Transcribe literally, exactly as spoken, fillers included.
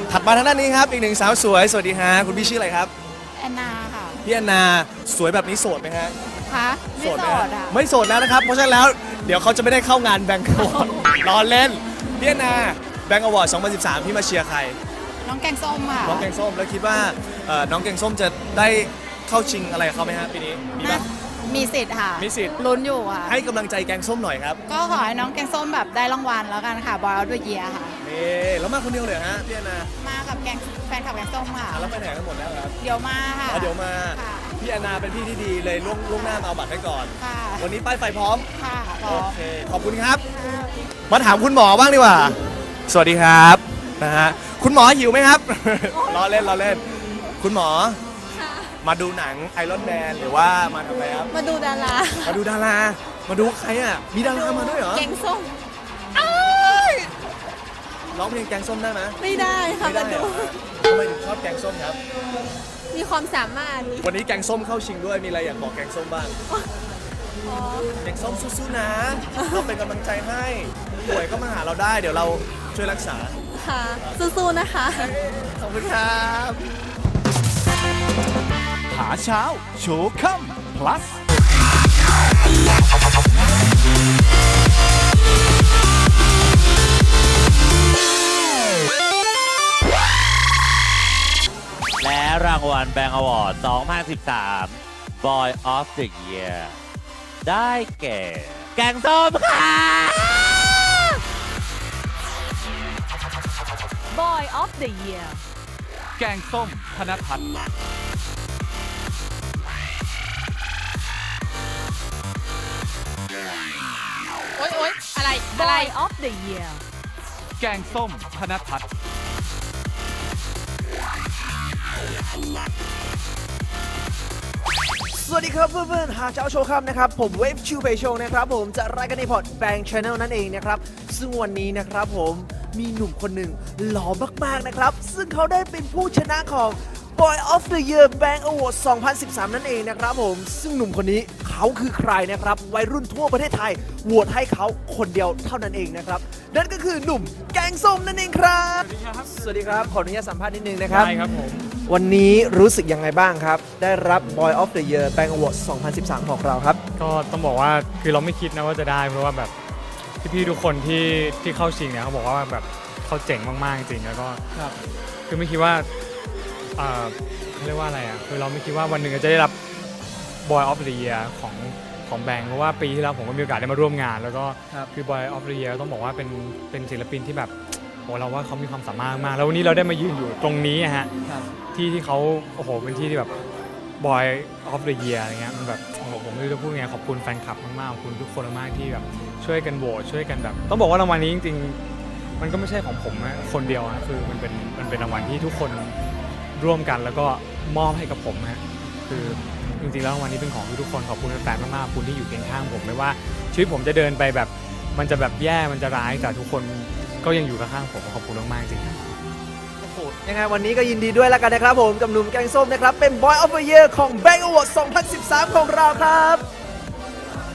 ถัดมาทางด้านนี้ครับอีกหนึ่งสาวสวยสวัสดีฮะคุณพี่ชื่ออะไรครับแอนนาค่ะพี่แอนนาสวยแบบนี้โสดไหมฮะคะไม่โสไหมดฮะอ่ะไม่โสดแล้วนะครับ เพราะฉะนั้นแล้วเดี๋ยวเขาจะไม่ได้เข้างานแบงก์อวอร์ดรอเล่นพี่แอนนาแบงก์อวอร์ดสองพันสิบสามพี่มาเชียร์ใครน้องแกงส้มค่ะน้องแกงส้มแล้วคิดว่าเอ่อน้องแกงส้มจะได้เข้าชิงอะไรกับเขาไหมฮะปีนี้มีน่าปะมีสิทธิ์ค่ะมีสิทธิ์ลุ้นอยู่ค่ะให้กำลังใจแกงส้มหน่อยครับก็ขอให้น้องแกงส้มแบบได้รางวัลแล้วกันค่ะ บอยออฟเดอะเยียร์ค่ะนี่แล้วมาคนเดียวเลยเหรอฮะพี่แอนนามากับแกงแฟนคลับแกงส้มค่ะอ่ะแล้วไปไหนกันหมดแล้วครับเดี๋ยวมาค่ะอ๋อเดี๋ยวมาค่ะพี่แอนนาเป็นพี่ที่ดีเลยล่วงล่วงหน้ามาเอาบัตรให้ก่อนค่ะวันนี้ป้ายไฟพร้อมค่ะพร้โออมเค ขอบคุณครับ มาถามคุณหมอบ้างดีกว่า สวัสดีครับนะฮะคุณหมอหิวไหมครับ รอเล่นรอเล่น คุณหมอ มาดูหนังไอรอนแมนหรือว่ามาทำอะไรครับมาดูดารามาดูดารา มาดูใครอ่ะ มีดารามาด้วยเหรอแกงส้มร้องเพลงแกงส้มได้ไหมไม่ได้ค่ะไม่ได้มาเหรดูอฮะทำไมถึงชอบแกงส้มครับมีความสามารถวันนี้แกงส้มเข้าชิงด้วย มีอะไรอยากบอกแกงส้มบ้างอ๋อแกงส้มสู้ๆนะ เราเป็นกำลังใจให้ ป่วยก็มาหาเราได้ เดี๋ยวเราช่วยรักษาค่ะ สู้ๆนะคะขอบคุณครับหาเช้าโชว์ค่ำ plus และรางวัลแบง k ์ Award สองพันสิบสาม Boy of the Year ได้แก่ แกงส้มค่ะ Boy of the Year แกงส้มธนทัศน์โอ๊ยโอ๊ยอะไร อะไร Boy of the Year แกงส้มธนทัศน์สวัสดีครับเพื่อนๆหาเจ้าโชว์ครับนะครับผมเวฟชิวเพย์โชว์นะครับผมจะรายการในพอดแบงค์ชาแนลนั่นเองนะครับซึ่งวันนี้นะครับผมมีหนุ่มคนหนึ่งหล่อมากๆนะครับซึ่งเขาได้เป็นผู้ชนะของ Boy of the Year Bank Award สองพันสิบสาม นั่นเองนะครับผมซึ่งหนุ่มคนนี้เขาคือใครนะครับวัยรุ่นทั่วประเทศไทยโหวตให้เขาคนเดียวเท่านั้นเองนะครับนั่นก็คือหนุ่มแกงส้มนั่นเองครับสวัสดีครับขออนุญาตสัมภาษณ์นิดนึงนะครับได้ครับผมวันนี้รู้สึกยังไงบ้างครับ ได้รับ Boy of the Year Bank Award สองพันสิบสาม ของเราครับก็ต้องบอกว่าคือเราไม่คิดนะว่าจะได้เพราะว่าแบบพี่ๆทุกคนที่ที่เข้าชิงเนี่ยเขาบอกว่าแบบเขาเจ๋งมากๆจริงๆแล้วก็คือไม่คิดว่าเอ่อเขาเรียกว่าอะไรอ่ะคือเราไม่คิดว่าวันหนึ่งจะได้รับ Boy of the Year ของของแบงค์เพราะว่าปีที่แล้วผมก็มีโอกาสได้มาร่วมงาน แล้วก็ครับคือ Boy of the Year ต้องบอกว่าเป็นเป็นศิลปินที่แบบโอ้เราว่าเขามีความสามารถมากแล้ววันนี้เราได้มายืนอยู่ตรงนี้อะฮะ ที่ที่เขาโอ้โหเป็นที่ที่แบบ Boy of the Year อะไรเงี้ยมันแบบโอ้โหผมไม่รู้จะพูดไงขอบคุณแฟนคลับมากๆขอบคุณทุกคนมากๆที่แบบช่วยกันโหวตช่วยกันแบบต้องบอกว่ารางวัลนี้จริงๆมันก็ไม่ใช่ของผมนะคนเดียวนะคือมันเป็นมันเป็นรางวัลที่ทุกคนร่วมกันแล้วก็มอบให้กับผมนะคือจริงๆแล้วรางวัลนี้เป็นของทุกๆคนขอบคุณแฟนๆมากๆขอบคุณที่อยู่เคียงข้างผมไม่ว่าชีวิตผมจะเดินไปแบบมันจะแบบแย่มันจะร้ายแต่ทุกคนก็ยังอยู่ข้างๆผมขอบคุณมากๆจริงๆโอ้โหยังไงวันนี้ก็ยินดีด้วยแล้วกันนะครับผมกับหนุ่มแกงส้มนะครับเป็น Boy of the Year ของ Bank Award สองพันสิบสาม ของเราครับ